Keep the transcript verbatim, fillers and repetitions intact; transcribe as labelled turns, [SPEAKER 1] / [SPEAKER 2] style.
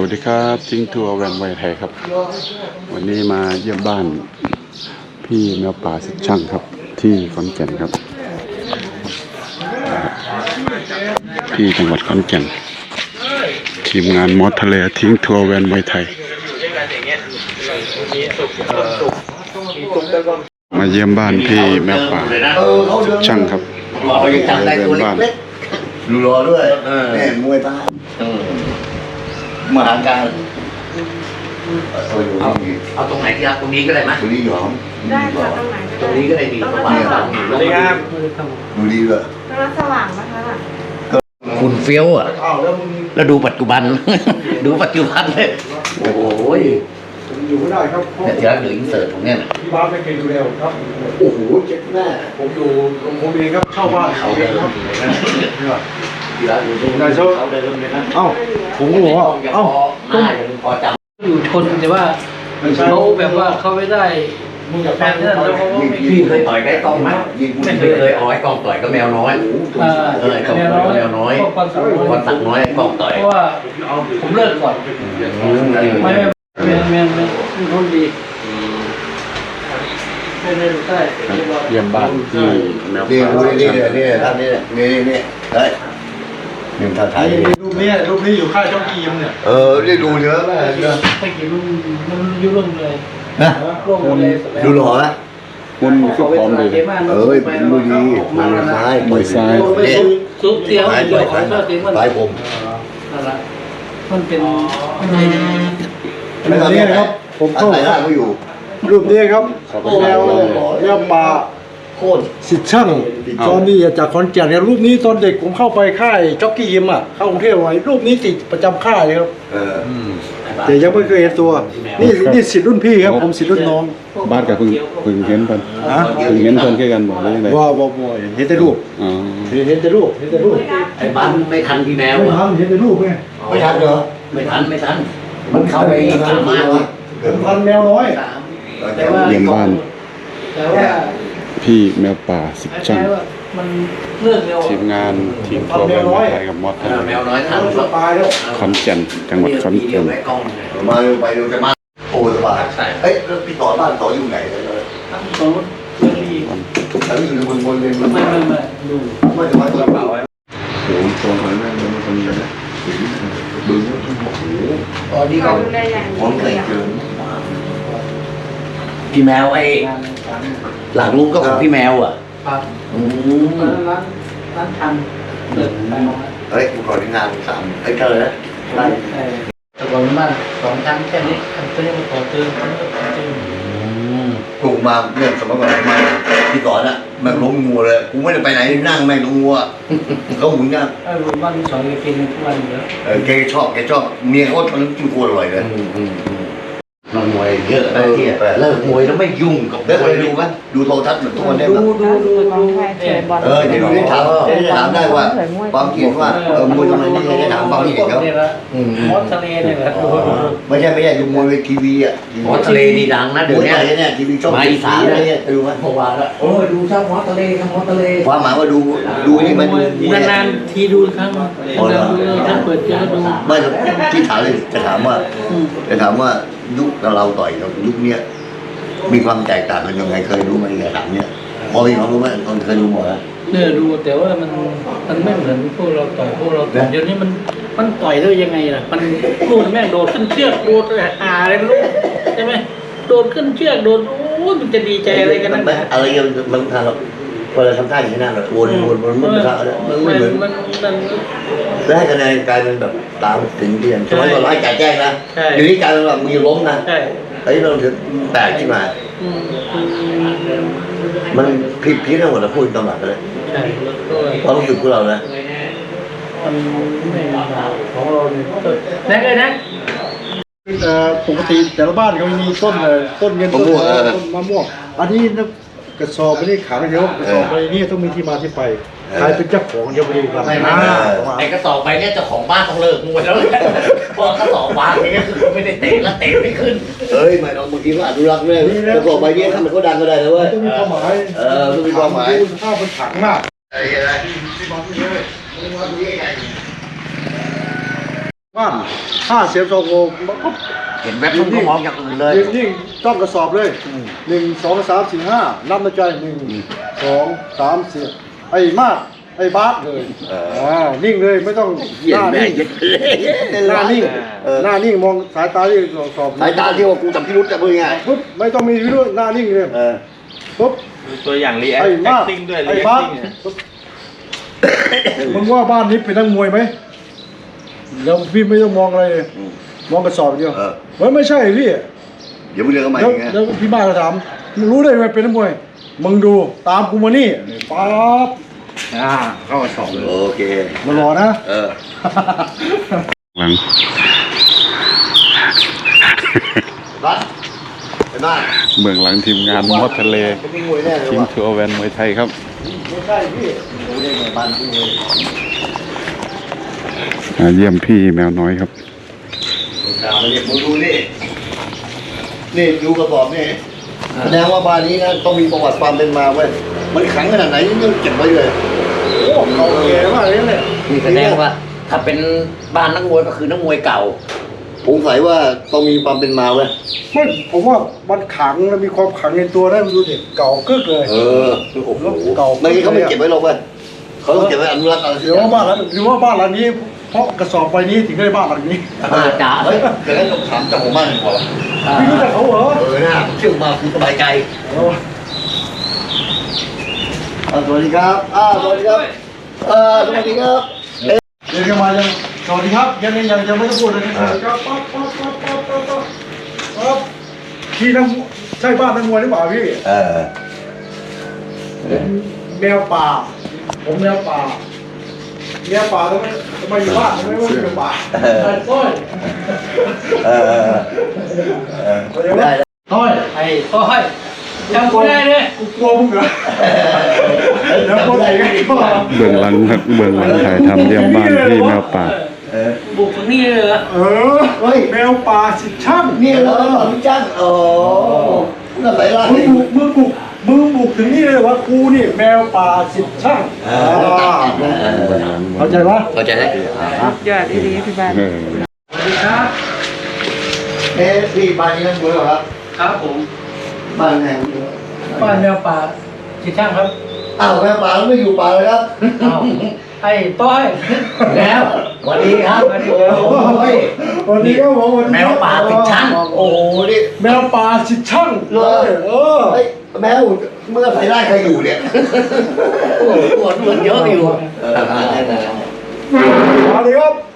[SPEAKER 1] สดีครับทิ้งทัวร์แวนไวไทยครับวันนี้มาเยี่ยมบ้านพี่แมวป่าสิทธิ์ช่างครับที่ขอนแก่นครับที่จังหวัดขอนแก่นทีมงานมอสทะเลทิ้งทัวร์แวนไวไทยมาเยี่ยมบ้านพี่แมวป่าสิทธิ์ช่างครับไปเยี่ยมบ้าน
[SPEAKER 2] ดูรอด้วยแม่มวยตามาหาการ
[SPEAKER 3] เอาเอาตรงไหนที่รักตรงนี้ก็ได้ไหม
[SPEAKER 2] ดูดีหรอ
[SPEAKER 4] ได้ค่ะตรงไหนก็ได้
[SPEAKER 3] ตรงนี้ก็ได้ดีเพราะว่าสวัสดีครับ
[SPEAKER 2] ดูดีเลย
[SPEAKER 4] ตรงนั้นสว่างไหมคะ
[SPEAKER 3] คุณเฟี้ยวอ่ะแล้วดูปัจจุบัน ดูปัจจุบันเลยโอ้โห
[SPEAKER 5] อยู่ไม่ได้ครับ
[SPEAKER 3] เนี่ยที่รักเดี๋ยวอินเสิร์ตผมเนี่ยนะ
[SPEAKER 5] ที่บ้านไม่เคยดูแลครับ
[SPEAKER 2] โอ้โหเจ็บแม่
[SPEAKER 5] ผมอยู่ผมเองครับเช่าบ้านเขาเองครับ
[SPEAKER 3] ที่รักอยู่ตรงนั้นเขาได้เริ่มเลยนะ
[SPEAKER 5] เอ้าผมก็บอกว่าเอ้า
[SPEAKER 3] ต้องพอจำ
[SPEAKER 6] อยู่ทนแต่ว่าเขาแบบว่าเขาไม่ได้
[SPEAKER 5] มึงกับแฟน
[SPEAKER 6] แล้วเขาไม่
[SPEAKER 3] พี่เคยต่อยไก่กล้องไหมไม่เคยเอาไอ้กล้องต่อยก็แมวน้อยเออก็แมวน้อยวันตักน้อยกล้องต่อย
[SPEAKER 6] เพราะว่าผมเลิกก่อนไม่ไม่ไม่ไม่ไม่คนดีไม่ได้รู้ได้
[SPEAKER 1] เยี่ยมบ้านที่แมว
[SPEAKER 2] นี่
[SPEAKER 1] ป่า
[SPEAKER 2] นี่นี่นี่ท่านนี่นี่นี่เฮ้ยนี่ท่านไทย
[SPEAKER 5] รูปนี้รูปนี้อยู่ค่ายเจ้ากีมเนี่ย
[SPEAKER 2] เออได้ดูเนื้อแม่เนื้อ
[SPEAKER 6] ไม่กี่รุ่นมันยุ่งเรื่องเลย
[SPEAKER 2] นะดูหล่อนะ
[SPEAKER 1] คุณคือพร้อมเลย
[SPEAKER 2] เอ้ยดูดีมือซ้ายมือซ้ายเนี่ย
[SPEAKER 6] ซุปเตี้ยวเดียวของเจ้าเตี้ยวมัน
[SPEAKER 2] ซ้ายผม
[SPEAKER 6] อะไรมันเป็น
[SPEAKER 5] รูปนี้นะครับผมเข้า
[SPEAKER 2] ใส่หน้าเขาอยู่
[SPEAKER 5] รูปนี้ครับแมวแมวป่า
[SPEAKER 2] โคตร
[SPEAKER 5] สิทธิ์ช่างตอนนี้จากขอนแก่นเนี่ยรูปนี้ตอนเด็กผมเข้าไปค่ายจ็อกกี้ยิมอ่ะเข้ากรุงเทพไว้รูปนี้ติดประจำค่ายเลยครับ
[SPEAKER 2] เออ
[SPEAKER 5] แต่ยังไม่เคยเห็นตัวนี่นี่สิทธิ์รุ่นพี่ครับผมสิทธิ์รุ่นน้อง
[SPEAKER 1] บ้านกับพึ่งพึ่งเห็นเพิ่นพึ่งเห็นเพิ่นแค่กันบอกได้ยังไง
[SPEAKER 5] ว่าบ่บ่เห็นแต่รูป
[SPEAKER 1] อ๋อ
[SPEAKER 5] เห็นแต่รูปเห็นแต่รูป
[SPEAKER 3] ไอ้บ้านไม่ทันพี่แมว
[SPEAKER 5] ไม่
[SPEAKER 3] อ่ะ
[SPEAKER 5] ทันเห็นแต่รูปไง
[SPEAKER 2] ไม่ทันเหรอ
[SPEAKER 3] ไม่ทันไม่ทันมันเข้าไปสามารถ
[SPEAKER 5] ผมทันแมวน้อย
[SPEAKER 3] แต่ว่า
[SPEAKER 1] เยี่ยมบ้าน
[SPEAKER 6] แต่ว่า
[SPEAKER 1] พี่แมวป่าสิทธิ์ช่าง
[SPEAKER 6] มันเรื่องเร็ว
[SPEAKER 1] ทีมงานทีมทัวร์แวนไวไทยกับมอสทะเล
[SPEAKER 3] แมวน้อยทัน
[SPEAKER 5] ตายแล้ว
[SPEAKER 1] ขอนแก่นจังหวัดขอนแก่น
[SPEAKER 2] มาเร็วไปเร็วจะมาโอ้สบายเอ้ยแล้วพี่ต่อบ้านต่ออยู่ไหนเลย
[SPEAKER 6] สมมติเรื่องนี้
[SPEAKER 2] แล้วอยู่ในบนบนเลยมัน
[SPEAKER 6] ไม่ไม่ไม่ดู
[SPEAKER 2] ไม่จะมาตัวเปล่าไว้
[SPEAKER 1] โอ้โหตัวหอยแม่งเลยมันคนเดียวเลยบึ้ง
[SPEAKER 3] อ๋อนี่ก็
[SPEAKER 4] ดูแลอย่าง
[SPEAKER 2] ผมเคยเจอ
[SPEAKER 3] พี่แมวไอ้หลังลุงก็ของพี่แมวอ่ะ
[SPEAKER 6] ครับ
[SPEAKER 3] อืม
[SPEAKER 6] ร้านร้านร้านทำเปิดไปมอง
[SPEAKER 2] เฮ้ยกูขอที่งานสามไอ้เจอแล้วไล่
[SPEAKER 6] แต่ก่อนบ้านสองชั้นแค่นี้ตัวนี้มันต่อเติมต่อเติม
[SPEAKER 2] ปลูกมาเนี่ยสมัยก่อนมาพี่ต่อน่ะมันล้มงัวเลยกูไม่ได้ไปไหนนั่งแม่งล้มงัวเขาหมุนกัน
[SPEAKER 6] ไอ้บ้านที่สองแกกินทุกวันอยู่แล้ว
[SPEAKER 2] เออแกชอบแกชอบเมียเขาทำน้ำจิ้มโคตรอร่อยเลย
[SPEAKER 3] นอนมวยเยอะนะที่เลิกมวยแล้วไม่ยุ่งกับม
[SPEAKER 2] แล้วเค
[SPEAKER 3] วย
[SPEAKER 2] ยดูไหมดูโทรทัศน์เหมือนทุกวันนี้
[SPEAKER 6] ดู
[SPEAKER 2] ป่ะ
[SPEAKER 6] ดูดูดู
[SPEAKER 2] เออจะดูได้ถามจะถามได้ว่าความคิดว่าเออมวยทำไมนี่จะถามความคิดเห็นเขา
[SPEAKER 6] เนี่ยละมอสทะเลเนี่ยแหละดูดู
[SPEAKER 2] ไม่ใช่ไม่ใช่ดูมวยทีวีอ่ะ
[SPEAKER 3] หมอทะเลนี่ดังนะ
[SPEAKER 2] เดี๋
[SPEAKER 3] เดี๋
[SPEAKER 2] ย
[SPEAKER 3] ยว ว
[SPEAKER 2] นี้
[SPEAKER 3] นี้
[SPEAKER 2] เนี่ยทีวีช่อง
[SPEAKER 3] มาอีสาน
[SPEAKER 2] อะไร
[SPEAKER 3] เลย
[SPEAKER 2] เนี่ยดูไหม
[SPEAKER 3] เมื่อวานละโอ้ยดูชอบหมอทะเลครับหมอทะเล
[SPEAKER 2] ความหมายว่าดูดูนี่มัน
[SPEAKER 6] นานๆทีดูครั้งนานๆถ้าเปิดเจอดู
[SPEAKER 2] ไม่ที่ถามเลยจะถามว่าจะถามว่ายุคเราต่อยกับยุคเนี้ยมีความแตกต่างกันยังไงเคยรู้ไหมเนี่ยถามเนี้ยพอมีความรู้ไหมคนเคยรู้หมดแล้ว
[SPEAKER 6] เนี่ยดูแต่ว่ามันมันไม่เหมือนพวกเราต่อยพวกเราต่อยเดี๋ยวนี้มันมันต่อยได้ยังไงล่ะมันลูกแม่งโดดขึ้นเชือกโดดหาอะไรลูกใช่ไหมโดดขึ้นเชือกโดดโอ้มันจะดีใจอะไรกันนักหนา
[SPEAKER 2] อะไรยังมันทางเราพอเราทำท่าอย่างนี้นะเราวนวนวนมันไม่มันไม่เหมือน
[SPEAKER 6] มันมัน
[SPEAKER 2] แล้วให้คะแนนกลายเป็นแบบตามถึงเรียนสมัยก่อนร้ายจ่ายแจ้งนะเดี๋ยวนี้กลายเป็นแบบมีล้มนะ
[SPEAKER 6] ใช่
[SPEAKER 2] ไอ้เราถึงแตกขึ้นมา
[SPEAKER 6] อืม
[SPEAKER 2] มันผิดพี้ทั้งหมดเราพูดตำหนักเลย
[SPEAKER 6] ใช่ก็
[SPEAKER 2] ความรู้สึกของเรานะ
[SPEAKER 6] มันไม่ของเราเนี่ยแน่เลยนะ
[SPEAKER 5] เอ่อปกติแต่ละบ้านเขามีต้นเอ่อต้นเงินต้นทองต้นมะม่วงอันนี้นะกระสอบไม่ได้ขายเดียวกระสอบไปนี่ต้องมีที่มาที่ไปใครเป็นเจ้าของเดี๋ยวไปดูกัน
[SPEAKER 3] ไม่ไม่ไอ้กระสอบไปเนี่ยเจ้าของบ้านต้องเลิกมวยแล้วเพราะกระสอบวางอย่างเงี้ยคือไม่ได้เตะแล้วเตะไม่ขึ้น
[SPEAKER 2] เอ้ยไม่ต้องบางทีก็อนุรักษ์เลยกระสอบใบนี้ทำให้เขาดังก็ได้นะเว้ย
[SPEAKER 5] ต้องมีความหมาย
[SPEAKER 2] เออต้องมีความหมาย
[SPEAKER 5] ดูสภาพมันขังมาก
[SPEAKER 2] ไอ้อะไร
[SPEAKER 5] บ้านห้าเสียบสองโงปุ๊บ
[SPEAKER 3] เห็นแวบมันก็มองอย่างอื่นเลย
[SPEAKER 5] ยิ่งยิ่งต้องกระสอบเลยหนึ่งสองสามสี่ห้านับในใจหนึ่งสองสามสี่ไอ้มากไอ้บาสเลยอ่านิ่งเลยไม่ต้องหน้านิ่งหน้านิ่งหน้านิ่งมองสายตาที่สอบ
[SPEAKER 2] สายตาที่ว่ากูจำพิรุษจะพูดยังไง
[SPEAKER 5] ปุ๊บไม่ต้องมีวิรุธหน้านิ่งเลย
[SPEAKER 2] เออ
[SPEAKER 5] ปุ๊บ
[SPEAKER 7] ตัวอย่างรีแอค
[SPEAKER 5] ไอ้มาก
[SPEAKER 7] ติ้งด้วย
[SPEAKER 5] ไอ้
[SPEAKER 7] รีแอค
[SPEAKER 5] บาส
[SPEAKER 7] ติ้งเนี่ย
[SPEAKER 5] ปุ๊บมึงว่าบ้านนี้เป็นนักมวยไหมแล้วพี่ไม่ต้องมองอะไรเลยมองกระสอบอย่างเดียว
[SPEAKER 2] เออ
[SPEAKER 5] เฮ้ยไม่ใช่พี่
[SPEAKER 2] เดี๋ยวมึงเรียกเขาใหม่
[SPEAKER 5] แล้ว
[SPEAKER 2] ไง
[SPEAKER 5] แล้วพี่บ้านก็ถามมึงรู้ได้ไงเป็นนักมวย มึงดูตามกูมานี่ป๊าบอ่าเข้ากระสอบเลย
[SPEAKER 2] โอเค
[SPEAKER 5] มารอนะ
[SPEAKER 2] เออ
[SPEAKER 1] หลัง
[SPEAKER 2] รัดไปบ้าน
[SPEAKER 1] เบื้องหลังทีมงานมอดทะเล
[SPEAKER 2] เป็นวิ่งมวยแน่เลย
[SPEAKER 1] คิง
[SPEAKER 2] ว่ะ
[SPEAKER 1] ทัวร์แวนมวยไทยครับ
[SPEAKER 5] ไม่ใช่พี่
[SPEAKER 2] รู้ได้ไงบ้านวิ่งมวย
[SPEAKER 1] มาเยี่ยมพี่แมวน้อยครับ
[SPEAKER 2] ดาวมาเรียกมึงดูนี่นี่ดูกระสอบนี่แสดงว่าบ้านนี้นะต้องมีประวัติความเป็นมาเว้ยมันขลังขนาดไหนนี่ยังเก็บไว้เลย
[SPEAKER 5] โอ้เขาแก่มากเลยเนี่ย
[SPEAKER 3] นี่แสดงว่าถ้าเป็นบ้านนักมวยก็คือนักมวยเก่า
[SPEAKER 2] ผมใส่ว่าต้องมีความเป็นมาเว้ย
[SPEAKER 5] ไม่ผมว่ามันขังแล้วมีความขังในตัวได้มันดูเด็กเก่ากึกเลย
[SPEAKER 2] เออโอ้โห
[SPEAKER 5] เก่า
[SPEAKER 2] ไม่งั้นเขาไม่เก็บไว้หรอกเว้ยเขาต้องเก็บไว้อนุรักษ์อะไรสัก
[SPEAKER 5] เดี๋ยว
[SPEAKER 2] อย่า
[SPEAKER 5] ว่าง บ้านหลังหรือว่าบ้านหลังนี้ เพราะกระสอบใบนี้ถึงได้บ้านหลังนี้
[SPEAKER 3] อาจจะ
[SPEAKER 2] เฮ้ยแต่แล้วต้องถามเจ้าของบ้านก่อน
[SPEAKER 5] พี่รู้จักเขาเหรอ
[SPEAKER 2] เออนะเชื่อมาคุณสบายใจ
[SPEAKER 5] เออ
[SPEAKER 2] อ่าสวัสดีครับอ่าสวัสดีครับเออสวัสดีครับ
[SPEAKER 5] เดี๋ยวจะมายังสวัสดีครับยังยังยังยังไม่ต้องพูดเลยนะครับป๊อปป๊อปป๊อปป๊อปป๊อปป๊อปป๊อปพี่นักใช่บ้านนักมวยหรือเปล่าพี่
[SPEAKER 2] เออ
[SPEAKER 5] แมวป่า ผมแมวป่าแมวป่าทำไมทำไมอยู่บ้านทำไมไม่อยู่ป่าไอ้ต้อย
[SPEAKER 2] เออเออได้
[SPEAKER 5] ต้อย
[SPEAKER 6] ไอ้ต้อยจำกูได้เลย
[SPEAKER 5] กูกลัวมึงเหรอแล้วคนไหนก็
[SPEAKER 1] เบื้องหลังครับเบื้องหลังถ่ายทำเยี่ยมบ้านพี่แมวป่า
[SPEAKER 2] เออ
[SPEAKER 6] บุกถึงนี่เลยเหรอ
[SPEAKER 5] เออเฮ้ยแมวป่าสิช่าง
[SPEAKER 2] นี่เราเป็นของจ้างโอ้น่าใส่ร้าย
[SPEAKER 5] มึงบุกมึงบุกมึงบุกถึงนี่เลยว่ากูนี่แมวป่าสิช่างเข้าใจปะ
[SPEAKER 3] เข้าใจไหม
[SPEAKER 4] ยอดดีๆพี่บ้าน
[SPEAKER 1] เออ
[SPEAKER 5] สวัสดีครับ
[SPEAKER 2] เอ๊ะพี่บ้านนี้นั่งเบื่อครับ
[SPEAKER 6] ครับผม
[SPEAKER 2] บ้านไหน
[SPEAKER 6] บ้านแมวป่าจิตช่างครับ
[SPEAKER 2] อ้าวแม่ป่าไม่อยู่ป่าเลยครับ
[SPEAKER 6] อ้าวไอ้ต้อย
[SPEAKER 3] แล้วสวัสดีครับ
[SPEAKER 6] สวัสดี
[SPEAKER 2] โอ้ย
[SPEAKER 5] วันนี้ก็บอกวันนี้
[SPEAKER 3] แมวป่าติดช่าง
[SPEAKER 2] โอ้โหนี่
[SPEAKER 5] แมวป่าสิช่าง
[SPEAKER 2] เลย
[SPEAKER 5] เออ
[SPEAKER 2] เฮ้ยแมวเมื่อใส่ร้ายใครอยู่เนี่ย
[SPEAKER 3] โอ้โหตัวมันเยอะอยู่
[SPEAKER 2] เออ
[SPEAKER 5] มาเลยครับ